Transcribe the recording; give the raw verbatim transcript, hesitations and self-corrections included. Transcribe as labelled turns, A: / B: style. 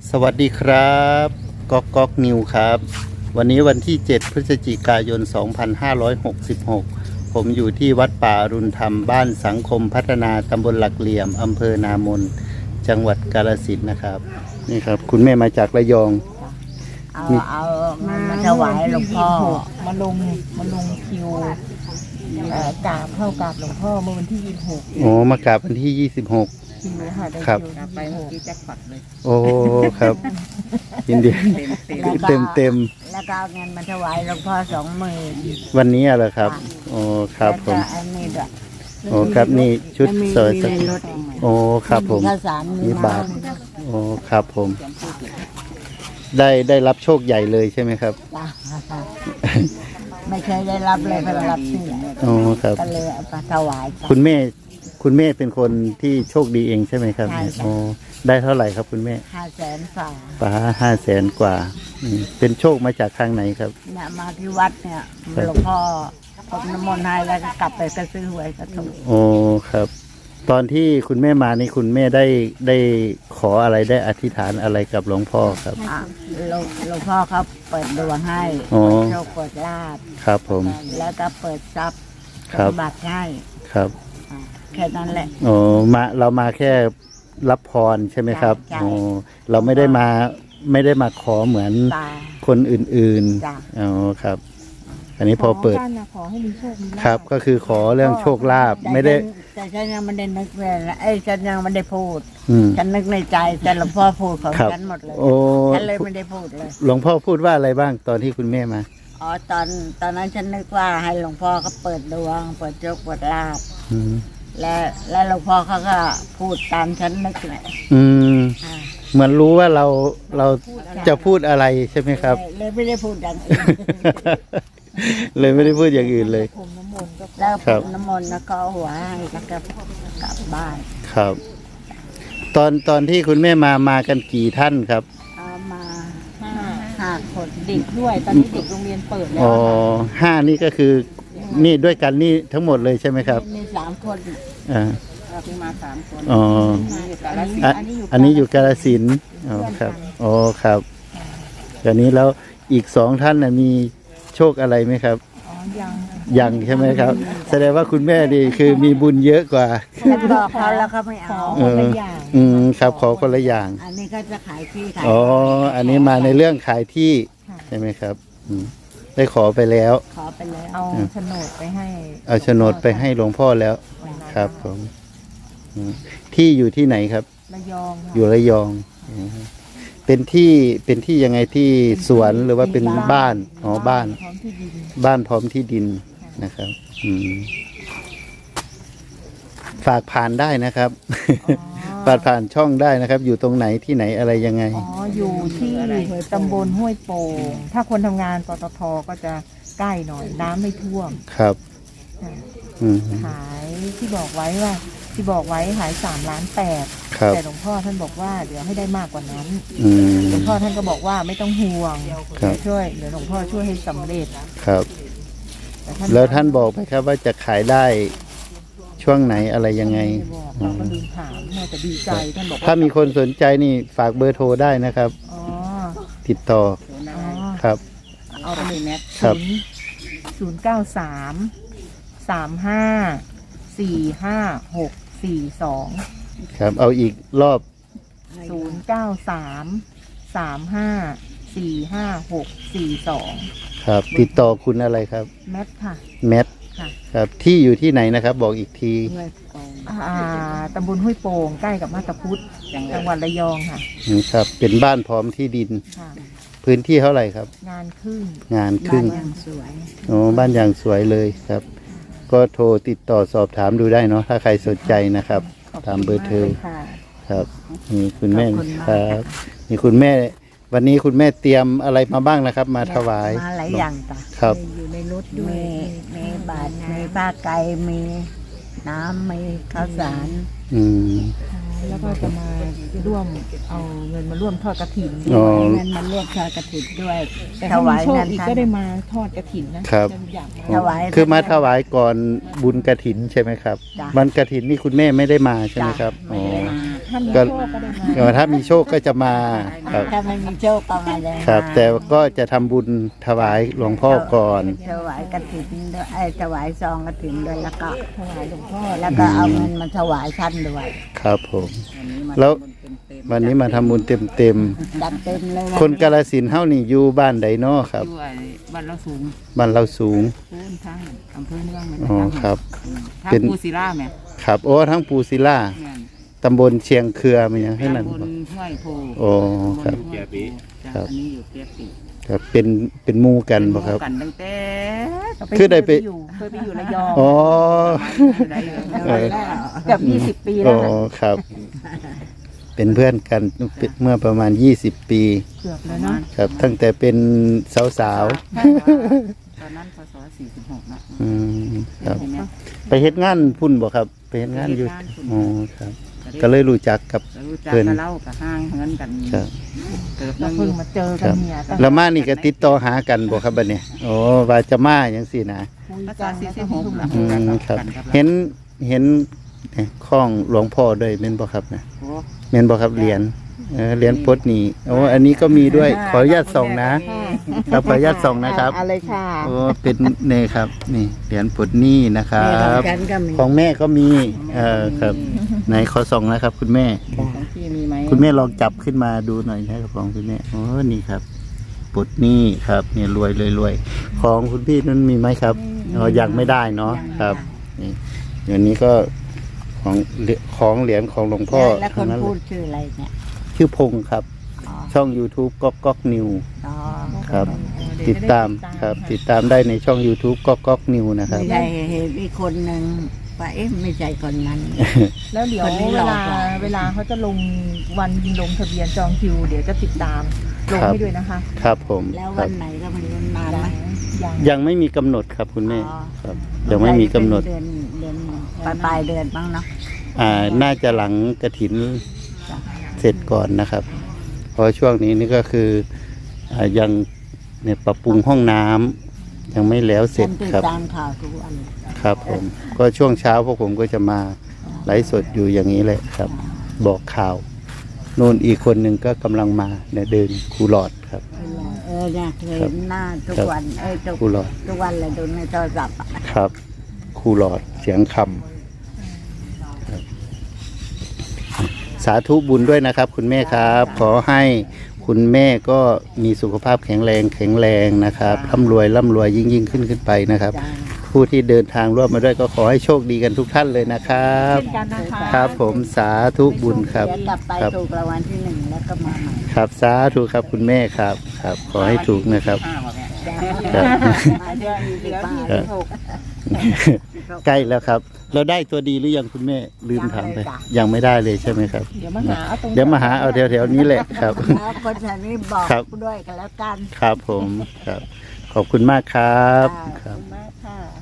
A: สวัสดีครับก๊อกก๊อกนิวครับวันนี้วันที่เจ็ดพฤศจิกายนสองพันห้าร้อยหกสิบหกผมอยู่ที่วัดป่าอรุณธรรมบ้านสังคมพัฒนาตำบลหลักเหลี่ยมอำเภอนามนจังหวัดกาฬสินธุ์นะครับนี่ครับคุณแม่มาจากระยอง
B: เอาเอามาถวายหลวงพ่อ
C: มาลงมาลงคิวเอ่อกราบเข้ากราบหลวงพ่อเมื่อวันที่ยี่สิบหก
A: โอ้มากราบวันที่ยี่สิบหก
C: คิวค่ะได้
A: ครับ
C: คิวไปเมื่อกี้แจ็คพอตเลย
A: โอ้ครับยินดีเต็มเต็ม
B: แล้วก็เอาเงินมาถวายหลวงพ่อสองหมื่น
A: วันนี้เหรอครับโอ้ครับผม
B: แล้วก็อันนี้ด้วย
A: โอ้ครับนี่ชุดเสริม
B: มีในรถ
A: โอ้ครับผม
B: ข้าวสารมี
A: มี
B: น้
A: บาทโอ้ครับผม ได้ได้รับโชคใหญ่เลยใช่ไหมครับ
B: ำจ้ะไม่เคยได้รับเลยเพิ่งรับที่
A: โอ้ครับ
B: ก็เลยเอามาถวายจ้ะ
A: คุณแม่คุณแม่เป็นคนที่โชคดีเองใช่ไหมครับ
B: ใช่ค่ะ
A: โอ้ได้เท่าไหร่ครับคุณแม่
B: ห้าแสนฝ่า
A: ป้าห้าแสนกว่าอืมเป็นโชคมาจากทางไหนครับ
B: เนี่ยมาที่วัดเนี่ย
A: ครับ
B: หลวงพ่อพรมน้ำมนต์ให้แล้วก็กลับไปก็ซื้อหวยก็ถูก
A: โอ้ครับ ตอนที่คุณแม่มานี่คุณแม่ได้ได้ขออะไรได้อธิษฐานอะไรกับหลวงพ่อครับ
B: อ่ะหลวงหลวงพ่อเขาเปิดดวงให้
A: อ๋อ
B: เปิดโชคเปิดลาภ
A: ครับผม
B: แล้วก็เปิดทรัพย์
A: ครับ
B: สมบัติให้
A: ครับ
B: อ่ะแค่นั้นแหละ
A: โอ้มาเรามาแค่รับพรใช่ไหมครับ
B: ใช่
A: โอ้เราไม่ได้มาไม่ได้มาขอเหมือน
B: ตา
A: คนอื่น
B: จ้ะ
A: ๆอ๋อครับ อันนี้พอเปิด
C: ขกันนะขอให้มีโชคมีลาภ
A: ครับก็คือขอเรื่องโชคลาภไม่ได้
B: แต่ฉันยังไม่ได้นึกเลยนะไอ้ยฉันยังไม่ได้พูด
A: อืม
B: ฉันนึกในใจแต่หลวงพ่อพูดของ
A: ครับ
B: ฉันหมดเลย
A: โอ้
B: ฉันเลยไม่ได้พูดเลย
A: หลวงพ่อพูดว่าอะไรบ้างตอนที่คุณแม่มา
B: อ๋อตอนตอนนั้นฉันนึกว่าให้หลวงพ่อเขาเปิดดวง เปิดโชคเปิดลาภ
A: อืม
B: และและหลวงพ่อเขาก็พูดตามฉันนึกเลย
A: อืม
B: อ่า
A: เหมือนรู้ว่าเราเราจะพูดอะไรใช่ไหมครับ
B: เลยเลยไม่ได้พูดอย่างอื่น
A: เลยไม่ได้พูดอย่างอื่นเลย
C: ผมน้ำมนต์ก็
B: แล้ว
A: ครับ
B: น้ำมนต์แล้วก็เอาหัวให้แล้วก็กลับบ้าน
A: ครับ ตอนตอนที่คุณแม่มามากันกี่ท่านครับ
B: เอามา
C: ห้า
B: ห้าคน
C: เด็กด้วยตอนนี้เด็กโรงเรียนเปิดแล้ว
A: อ๋อ
C: ค่ะ
A: ห้านี่ก็คือนี่ด้วยกันนี่ทั้งหมดเลยใช่ไหมครับ
B: มีสามคน
A: อ่า
C: เราเพิ่งมาสามคน
A: อ๋อ
C: อันนี้
A: อ่ะ
C: อันนี้อยู่
A: อันนี้อยู่กาฬสินธุ์อ๋อครับอ๋อครับอันนี้แล้วอีกสองท่านน่ะมีโชคอะไรไหมครับ
C: อ๋อยัง
A: ยังใช่ไหมครับ แสดงว่าคุณแม่ดีคือมีบุญเยอะกว่า
B: แล้วบอกเขาแล้วเขาไม่
C: ขอ
B: เอา
C: คนละอย่าง
A: อืมครับขอคนละอย่าง
B: อันนี้ก็จะขายที่ขาย
A: อ๋อ อันนี้มาในเรื่องขายที่
C: ค่ะ
A: ใช่ไหมครับอืมได้ขอไปแล้ว
B: ขอไปแล้ว
C: เอาโฉนดไปให้
A: เอาโฉนดไปให้หลวงพ่อแล้วครับผมอืมที่อยู่ที่ไหนครับ
C: ระยองค่ะ
A: อยู่ระยองอืมเป็นที่เป็นที่ยังไงที่สวนหรือว่าเป็นบ้านอ๋อบ้าน
C: พร้อมที่ดิน
A: บ้านพร้อมที่ดินนะครับอืมฝากผ่านได้นะครับ ฝากผ่านช่องได้นะครับ อยู่ตรงไหนที่ไหนอะไรยังไง
C: อ๋ออยู่ที่ตำบลห้วยโป่งถ้าคนทำงานปตทก็จะใกล้หน่อยน้ำไม่ท่วม
A: ครับ
C: ค่ะ
A: อืม
C: ขายที่บอกไว้ว่า ที่บอกไว้ขายสามล้านแปด
A: ครับ
C: แต่หลวงพ่อท่านบอกว่าเดี๋ยวให้ได้มากกว่านั้น
A: อืม
C: หลวงพ่อท่านก็บอกว่าไม่ต้องห่วง
A: ครับ
C: เดี๋ยวช่วยเดี๋ยวหลวงพ่อช่วยให้สำเร็จ
A: ครับ
C: แต่ท่าน
A: แล้วท่านบอกไหมครับว่าจะขายได้ช่วงไหนอะไรยังไง
C: ไม่บอกเราก็ลืมถามมัวแต่ดีใจท่านบอก
A: ถ้า
C: ว่า
A: มีคนสนใจนี่ฝากเบอร์โทรได้นะครับ
C: อ๋อ
A: ติดต่อ
C: อ๋อ
A: ครับ
C: เอาไปเลยแมท
A: ครับ
C: ศูนย์เก้าสามสามห้าสี่ห้าหกสี่สอง
A: ครับ เอาอีกรอบ
C: ศูนย์เก้าสามสามห้าสี่ห้าหกสี่สอง
A: ครับ ติดต่อคุณอะไรครับ
C: แมทค่ะ
A: แมท
C: ค่ะ
A: ครับ ที่อยู่ที่ไหนนะครับ บอกอีกที
B: ด้วยกอง
C: อ่าตำบลห้วยโป่งใกล้กับมาตาพุธจังหวัดระยองค่ะ
A: อืมครับ เป็นบ้านพร้อมที่ดิน
C: ค่ะ
A: พื้นที่เท่าไหร่ครับ
C: งานครึ่ง
A: งานครึ่ง
B: บ้านยังสวย
A: โอ้บ้านอย่างสวยเลยครับ ก็โทรติดต่อสอบถามดูได้เนาะถ้าใครสนใจนะครับ ตามเบอร์โทร
C: ขบคุณมากเลยค่ะ
A: ครับมีคุณแม่
B: ขอบคุณมาก
A: ครับมีคุณแม่ วันนี้คุณแม่เตรียมอะไรมาบ้างนะครับ มาถวาย
B: มาหลายอย่างจ้ะ
A: ครับ
C: อยู่ในรถด้วย
B: มีมีบาทมีผ้าไก่มีน้ำมีข้าวสาร
A: อืม
C: แล้วก็จะมาร่วมเอาเงินมาร่วมทอดกระถิน
A: อ๋อ
B: เงินมาเรียกทอดกระถิ่นด้วย
C: แต่
B: ถ
C: ถ้ามี
B: วาย
C: โชค
B: เงิน
C: อีก
B: ท่าน
C: ก็ได้มาทอดกระถินนะครับ อยากมา
B: ถวาย
A: คือมาถวายก่อนบุญกระถินใช่ไหมครับ
B: จ้ะ
A: วันกระถินนี่คุณแม่ไม่ได้มาใช่ไหมครับ
B: ไม่
A: อ๋อ
B: ได้มา
C: ถ้ามี
A: ก็
C: โชคก็ได้มา
A: เออถ้ามีโชคก็จะมาครับ
B: ถ้าไม่มีโชคก็มาเลย
A: ครับ แต่ก็จะทำบุญถวายหลวงพ่อก่อน
B: ถวายกฐินด้วยไอ้ยถวายซองกฐินด้วยแล้วก็
C: ถวายหลวงพ่อ
B: แล้วก็เอาเงินมาถวายท่านด้วย
A: ครับผม แล้ววันนี้มาทำบุญเต็มเต็ม
B: จัดเต็มเลย
A: ๆคนกาฬสินธุ์เฮานี่อยู่บ้านใดเนาะครับ
D: อยู่ไอ้บ้านเราสูง
A: บ้านเราสูง
D: พื้นทางอำเภอเมืองแม่น
A: อ๋อครับ
D: ทาง
A: เป็น
D: ปูศิลาแม่
A: ครับโอ้ทั้งปูศิลา
D: แม่น
A: ตำบลเชียงเครือมันยังให้นั่น
D: ตำบล
A: บ่
D: ห้วยโพ
A: โอ้ครับ
D: ตำลห้วยโพจ้ะ
A: ครับ
D: อันนี้อยู่เปียปี
A: ครับเป็นเป็นหมู่กันบ่ครับ
D: กันตั้งแต่
A: คือได้ไป
C: อยู่เคยไปอยู่ระยอง
A: อ๋อ
D: ได้เลย
A: เออ
C: เกือบยี่สิบปี
A: อ๋
C: แล้
A: อ
C: วนะ
A: ครับ เป็นเพื่อนกันเมื่อประมาณยี่สิบปี
C: เกือบแล้วเนาะ
A: ครับ ตั้งแต่เป็นสาว
D: ตอนนั้นพศสี่สิบหกนะ
A: ๆอืมครับ
D: เห็นไหม
A: ไปเฮ็ดงานพุ่นบ่ครับ ไปเฮ็ดงานอยู่
D: ไปเฮ็ดงานพุ่น
A: อ๋อครับ ก็เลยรู้จักกับ
D: ก็รู้จัก
A: เพิ่น
D: กับเล่ากับห้างเงินกัน
A: ครับ
D: เติบ
C: เรา
D: นึงอ
C: เพิ่ง
D: ยู่
C: มาเจอ
A: ค
C: กัน
A: รับ
C: เนี่ยตั้ง
A: แล้วมานี่ก็ติดต่อหากันบ่ครับบัดนี้โอ้ว่าจะมาจังซี่นะ
C: คุย
D: พศ
C: กัน
D: สี่
C: แล้ว
D: สิ
C: ก็
D: บหก
C: เพิ่ง
D: นะ
C: มา
A: อืมครับ เห็นเห็นข้องหลวงพ่อด้วยแม่นบ่ครับนะ
D: โอ้
A: แม่นบ่ครับเหรียญเออเหรียญปลดหนี้โอ้อันนี้ก็มีด้วยขออนุญาตส่องนะครับขออนุญาตส่องนะครับ
C: อะไรค่ะ
A: โอ้เป็นเนี่ยครับ นี่เหรียญปลดหนี้นะครั
B: แม่ของ
A: บ
B: ฉันก็มี
A: ของแม่ก็มีเออครับไหนขอส่องนะครับ คุณแม่
D: ของพี่มีไหม
A: คุณแม่ลองจับขึ้นมาดูหน่อยนะครับของคุณแม่โอ้นี่ครับปลดหนี้ครับเนี่ยรวยรวยรวยของคุณพี่นั้นมีไหมครับอ๋อยังไม่ได้เนาะครับนี่อย่างนี้ก็ของของเหรียญของหลวงพ่อ
B: แล้วค
A: ทั้
B: น
A: งนั้นเล
B: พูด
A: ย
B: ชื่ออะไรเนี่ย
A: ชื่อพงษ์ครับ
B: อ๋อ
A: ช่อง YouTube ก๊อกก๊อกนิว
B: อ๋อ
A: ครับ
C: เดี๋ยว
A: ติดตามครับ ติดตามได้ในช่อง YouTube ก๊อกก๊อกนิวนะครับ
B: ไม่ใช่เห็นอีกคนหนึ่งว่าเอ๊ะไม่ใช่คนนั้น
C: แล้วเดี๋ยว
B: คนนี้
C: เว
B: รอ
C: ลา
B: ก่อน
C: เวลาเขาจะลงวันลงทะเบียนจองคิว เดี๋ยวจะติดตามลง
A: ครับ
C: ให้ด้วยนะคะ
A: ครับผม
B: แล้ว
A: ครั
B: วั
A: บ
B: นไหนก็ไม่รู้นานไหม
C: ยัง
A: ยังไม่มีกำหนดครับคุณแม่
B: อ๋อ
A: ครับยังไม่มีกำหนด
B: เดือนเดือนปลายปลายเดือนบ้างเนาะ
A: อ่าน่าจะหลังกระถินเสร็จก่อนนะครับ เพราะช่วงนี้นี่ก็คืออ่ายังเนี่ยปรับปรุงห้องน้ำยังไม่แล้วเสร็จ
B: ฉันติด
A: ครับ
B: ตามข่าวทุกวัน
A: ครับผมก็ช่วงเช้าพวกผมก็จะมาไลฟ์สดอยู่อย่างนี้แหละครับ บอกข่าวนู่นอีกคนหนึ่งก็กำลังมาเนี่ยเดินคูหลอดครับ
B: เออเนี่ยเคย
A: ครับ
B: เห็นหน้าทุก
A: ครับ
B: วันเอ้ยทุก
A: คูหลอด
B: ทุกวันเลยดูในโทรศัพท์อะ
A: ครับคูหลอดเสียงคำครับสาธุบุญด้วยนะครับ คุณแม่ครับ ขอให้คุณแม่ก็มีสุขภาพแข็งแรงแข็งแรงนะครับร่ำรวยร่ำรวยยิ่งยิ่งขึ้นขึ้นไปนะครับ
B: จ้า
A: ผู้ที่เดินทางร่วมมาด้วยก็ขอให้โชคดีกันทุกท่านเลยนะครับ
C: เช่นกันนะคะ
A: ครับผมสาธุบุญครับ
B: เดี๋ยวกลับไป
A: ครับ
B: ถูกรางวัลที่หนึ่งแล้วก็มาใหม่
A: ครับสาธุครับคุณแม่ครับครับ ขอให้ถูกนะครับ
D: ห้าบอกแม่
A: ครับ
B: มาเดือนสิบห้า
A: ครับ ใกล้แล้วครับ เราได้ตัวดีหรือยังคุณแม่ลืมถามไปยังไม่ได้เลยใช่ไหมครับ
C: เดี๋ยวมาหาเอาตรง
A: เดี๋ยวมาหาเอาแถวๆนี้แหละครับ
B: แล้วคนแถวนี้บอก
A: ครับ
B: ด้วยกันแล้วกัน
A: ครับผมครับ ขอบคุณมากครับ
B: ค่ะ
A: ครับ
C: มากค่ะ